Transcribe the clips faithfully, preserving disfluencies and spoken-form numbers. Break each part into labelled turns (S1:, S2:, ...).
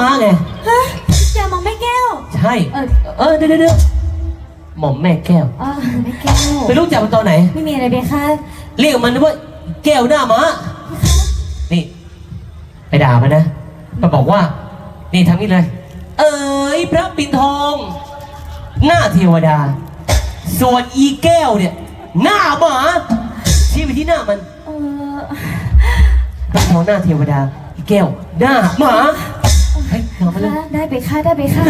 S1: ม้าไง
S2: ฮะอย่ามองแม่แก้ว
S1: ใช่เออเออเดี๋ยวเดี๋ยวหม่อมแม่แก้ว
S2: อ๋อแม่แก้ว
S1: ไปรู้จักมันตอนไหน
S2: ไม่มีอะไรเบค่ะ
S1: เรียกมันว่าแก้วหน้าม้านี่ไปด่ามันนะมันบอกว่านี่ทำนี่เลยเอ๋ยพระปิ่นทองหน้าเทวดาส่วนอีแก้วเนี่ยหน้าหมาชี้ไปที่หน้ามัน
S2: เออ
S1: พระทองหน้าเทวดาอีแก้วหน้าหมาเฮ้ยเอามาเลย
S2: ได้ไปค่ะได้ไปค่ะ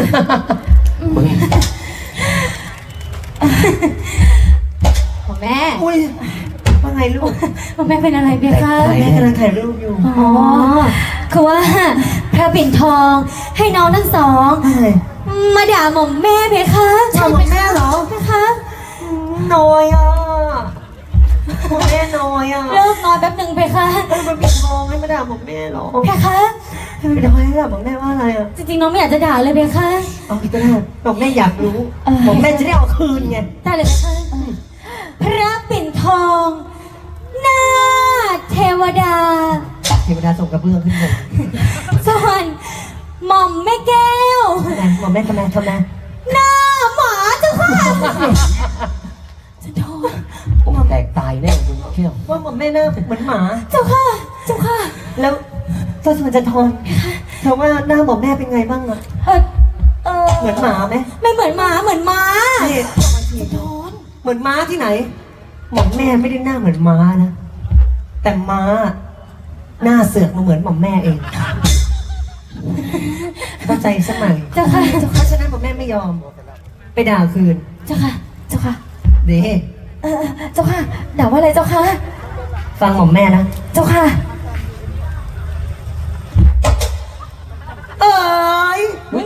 S2: พ่อแม่
S3: อุ้ยว่าไงลูก
S2: พ่อแม่เป็นอะไรเบค่ะ
S3: แม่กำลังถ่ายรูปอยู่
S2: อ๋อคือว่าพระปิ่นทองให้น้องทั้งสองมาด่าหม่อมแม่เบค่ะ
S3: ใช่หม่อมแม่เหรอ
S2: เบค่ะ
S3: น้อยอ่ะหม่อมแม่น้อยอ่ะ
S2: เลิกนอนแป๊บหนึ่งเบค่ะ
S3: มันปิดทองให้มาด่าหม่อมแม่เหรอ
S2: เบค่ะ
S3: ไปด่าให้ด่าหม่อมแม่ว่าอะไรอ่ะ
S2: จริงๆน้องไม่อยากจะด่าเลยเบค่ะ
S3: เอาไปก็ได้หม่อมแม่อยากรู้หม่อมแม่จะได้เอาคืนไง
S2: ได้เลยเบค่ะพระปิ่นทองหน้าเทวดา
S3: เทวดาส่งกระเบื้องขึ้นเลย
S2: ส่วนหม่อมแม่แก้ว
S3: หม่อมแม่ทำไมทำไม
S2: หน้าหมาเจ้าค่ะจะโดน
S1: โอ้แตกตายแน่คุณแก้ว
S3: ว่าหม่อมแม่หน้าเหมือนหมา
S2: เจ้าค่ะเจ้าค่ะ
S3: แล้วเจ้าชวนจะทนเธอว่าหน้าหม่อมแม่เป็นไงบ้างอะ
S2: เออเออ
S3: เหมือนหมาไหม
S2: ไม่เหมือนหมาเหมือนม้า
S3: จะโดนเหมือนม้าที่ไหนหม่อมแม่ไม่ได้หน้าเหมือนม้านะแต่ม้าหน้าเสือกมาเหมือนหม่อมแม่เองเข้าใจสมัย
S2: เจ้าค่ะ
S3: เพราะฉะนั้นหม่อมแม่ไม่ยอมไปด่าคืน
S2: เจ้าค่ะเจ้าค่ะ
S3: เด้
S2: เออเจ้าค่ะด่าว่าอะไรเจ้าค่ะ
S3: ฟังหม่อมแม่นะ
S2: เจ้าค่ะ
S3: เอ้ย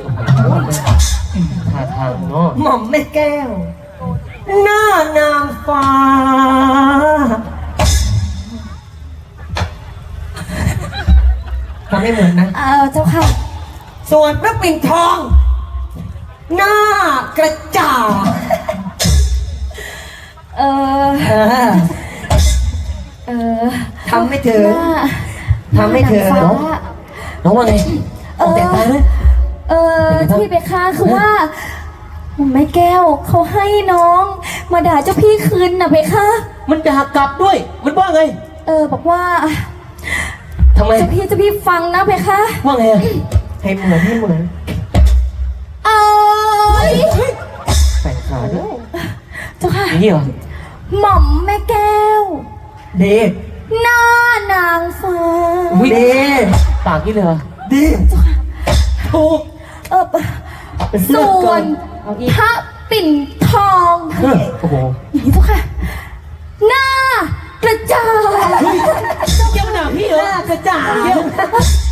S1: ท่าทางเนาะ
S3: หม่อมแม่แก้วหน้านางฟ้าทำไม่เหมือนนะ
S2: เออเจ้าค่ะ
S3: ส่วนพระปิ่นทองหน้ากระจ่าง
S2: เออเออ
S3: ทำไม่เถอะทำไม่เถอะ
S1: น้องน้องว่าไง
S2: เออเออที่ไปค้าคือว่าแม่แก้วเขาให้น้องมาด่าเจ้าพี่คืนน่ะเพคะ
S1: มันด่ากลับด้วยมันว่าไง
S2: เออบอกว่า
S1: ทำไม
S2: เจ้าพี่เจ้าพี่ฟังนะเพคะ
S1: ว่าไง
S3: ให้เหมือนให้เหมือน
S2: เอ้ย
S1: แต่งขาด้วย
S2: เจ้าค่ะ
S1: นี่เหรอ
S2: หม่อมแม่แก้ว
S3: เด็ก
S2: หน้านางฟ้า
S3: เด็ก
S1: ปากนี่เลย
S3: เด็กถูก
S2: เออส่วนพระปิ่นทอง
S1: โอ้โห
S2: อย่างนี้เจ้าค่ะหน้ากระจาย
S1: เจ้าหน้าพี่เหรอ
S3: หน้ากระจาย